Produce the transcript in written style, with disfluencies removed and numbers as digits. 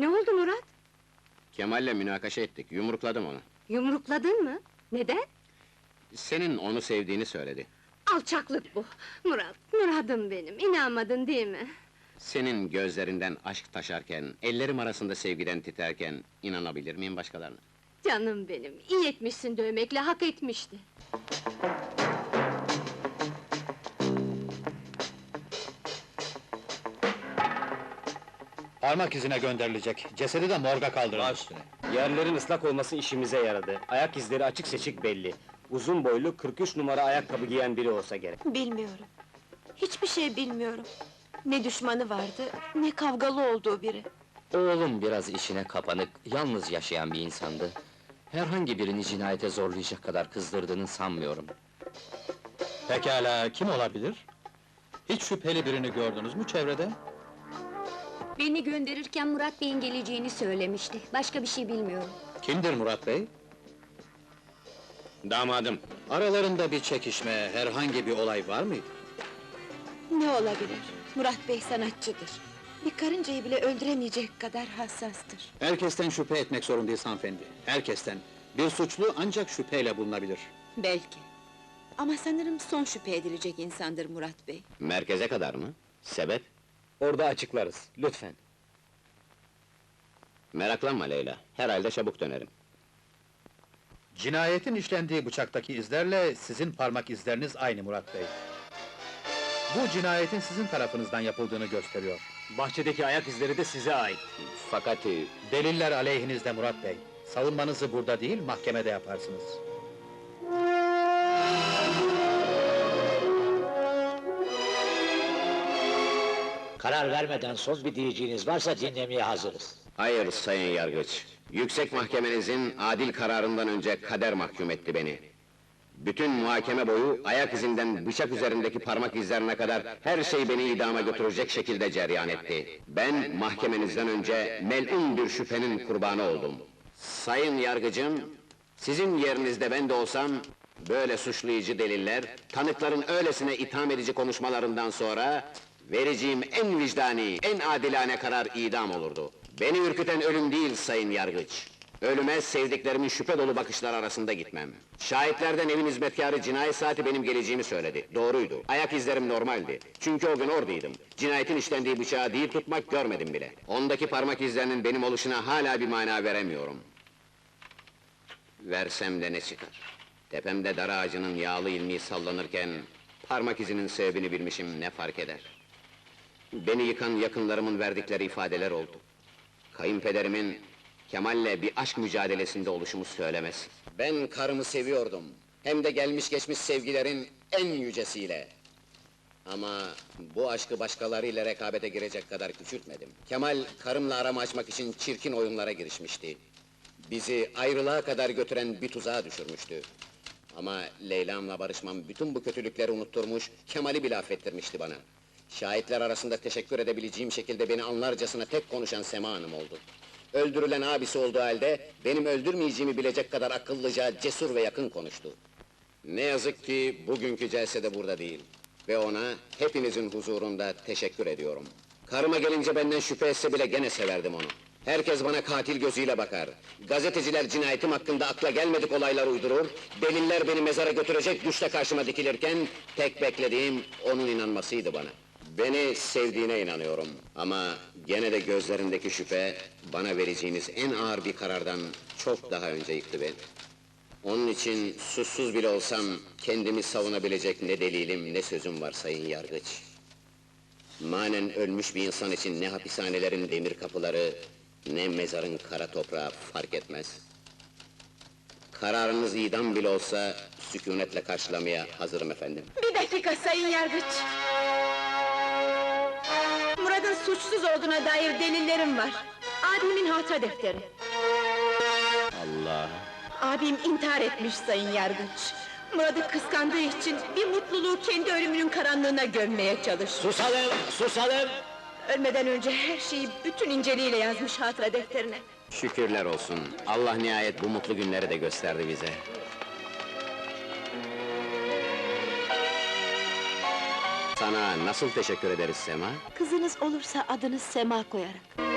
Ne oldu Murat? Kemal'le münakaşa ettik, yumrukladım onu. Yumrukladın mı? Neden? Senin onu sevdiğini söyledi. Alçaklık bu! Murat, Murat'ım benim, inanmadın değil mi? Senin gözlerinden aşk taşarken, ellerim arasında sevgiden titerken... ...inanabilir miyim başkalarına? Canım benim, iyi etmişsin dövmekle, hak etmişti. Parmak izine gönderilecek, cesedi de morga kaldırılır. Baş üstüne. Yerlerin ıslak olması işimize yaradı. Ayak izleri açık seçik belli. Uzun boylu, 43 numara ayakkabı giyen biri olsa gerek. Bilmiyorum. Hiçbir şey bilmiyorum. Ne düşmanı vardı, ne kavgalı olduğu biri. Oğlum biraz işine kapanık, yalnız yaşayan bir insandı. Herhangi birini cinayete zorlayacak kadar kızdırdığını sanmıyorum. Pekala, kim olabilir? Hiç şüpheli birini gördünüz mü çevrede? Beni gönderirken Murat Bey'in geleceğini söylemişti. Başka bir şey bilmiyorum. Kimdir Murat Bey? Damadım. Aralarında bir çekişme, herhangi bir olay var mıydı? Ne olabilir? Murat Bey sanatçıdır. Bir karıncayı bile öldüremeyecek kadar hassastır. Herkesten şüphe etmek zorundayız hanımefendi, herkesten. Bir suçlu ancak şüpheyle bulunabilir. Belki. Ama sanırım son şüphe edilecek insandır Murat Bey. Merkeze kadar mı? Sebep? Orada açıklarız, lütfen. Meraklanma Leyla, herhalde çabuk dönerim. Cinayetin işlendiği bıçaktaki izlerle sizin parmak izleriniz aynı Murat Bey. Bu cinayetin sizin tarafınızdan yapıldığını gösteriyor. Bahçedeki ayak izleri de size ait. Fakat... Deliller aleyhinizde Murat Bey. Savunmanızı burada değil, mahkemede yaparsınız. Karar vermeden söz bir diyeceğiniz varsa dinlemeye hazırız. Hayır sayın yargıç. Yüksek mahkemenizin adil kararından önce kader mahkum etti beni. Bütün muhakeme boyu ayak izinden bıçak üzerindeki parmak izlerine kadar her şey beni idama götürecek şekilde cereyan etti. Ben mahkemenizden önce melun bir şüphenin kurbanı oldum. Sayın yargıcım, sizin yerinizde ben de olsam böyle suçlayıcı deliller, tanıkların öylesine itham edici konuşmalarından sonra vereceğim en vicdani, en adilane karar idam olurdu. Beni ürküten ölüm değil sayın yargıç. Ölüme sevdiklerimin şüphe dolu bakışlar arasında gitmem. Şahitlerden evin hizmetkarı cinayet saati benim geleceğimi söyledi. Doğruydu. Ayak izlerim normaldi. Çünkü o gün oradaydım. Cinayetin işlendiği bıçağı değil tutmak görmedim bile. Ondaki parmak izlerinin benim oluşuna hala bir mana veremiyorum. Versem de ne çıkar? Tepemde dar ağacının yağlı ilmiği sallanırken parmak izinin sebebini bilmişim, ne fark eder? Beni yıkan yakınlarımın verdikleri ifadeler oldu. Kayınpederimin Kemal'le bir aşk mücadelesinde oluşumu söylemez. Ben karımı seviyordum. Hem de gelmiş geçmiş sevgilerin en yücesiyle. Ama bu aşkı başkalarıyla rekabete girecek kadar küçültmedim. Kemal, karımla aramı açmak için çirkin oyunlara girişmişti. Bizi ayrılığa kadar götüren bir tuzağa düşürmüştü. Ama Leyla'mla barışmam bütün bu kötülükleri unutturmuş, Kemal'i bile affettirmişti bana. Şahitler arasında teşekkür edebileceğim şekilde beni anlarcasına tek konuşan Sema Hanım oldu. Öldürülen abisi olduğu halde, benim öldürmeyeceğimi bilecek kadar akıllıca, cesur ve yakın konuştu. Ne yazık ki bugünkü celsede burada değil. Ve ona hepinizin huzurunda teşekkür ediyorum. Karıma gelince benden şüphe etse bile gene severdim onu. Herkes bana katil gözüyle bakar. Gazeteciler cinayetim hakkında akla gelmedik olaylar uydurur, deliller beni mezara götürecek güçle karşıma dikilirken, tek beklediğim onun inanmasıydı bana. Beni sevdiğine inanıyorum ama gene de gözlerindeki şüphe, bana vereceğiniz en ağır bir karardan çok daha önce yıktı beni. Onun için suçsuz bile olsam, kendimi savunabilecek ne delilim ne sözüm var sayın yargıç. Manen ölmüş bir insan için ne hapishanelerin demir kapıları, ne mezarın kara toprağı fark etmez. Kararınız idam bile olsa, sükunetle karşılamaya hazırım efendim. Bir dakika sayın yargıç! Murat'ın suçsuz olduğuna dair delillerim var. Abimin hatıra defteri. Allah! Abim intihar etmiş sayın yargıç. Murat'ı kıskandığı için bir mutluluğu kendi ölümünün karanlığına gömmeye çalıştı. Susalım, susalım! Ölmeden önce her şeyi bütün inceliğiyle yazmış hatıra defterine. Şükürler olsun, Allah nihayet bu mutlu günleri de gösterdi bize. Sana nasıl teşekkür ederiz Sema? Kızınız olursa adını Sema koyarak.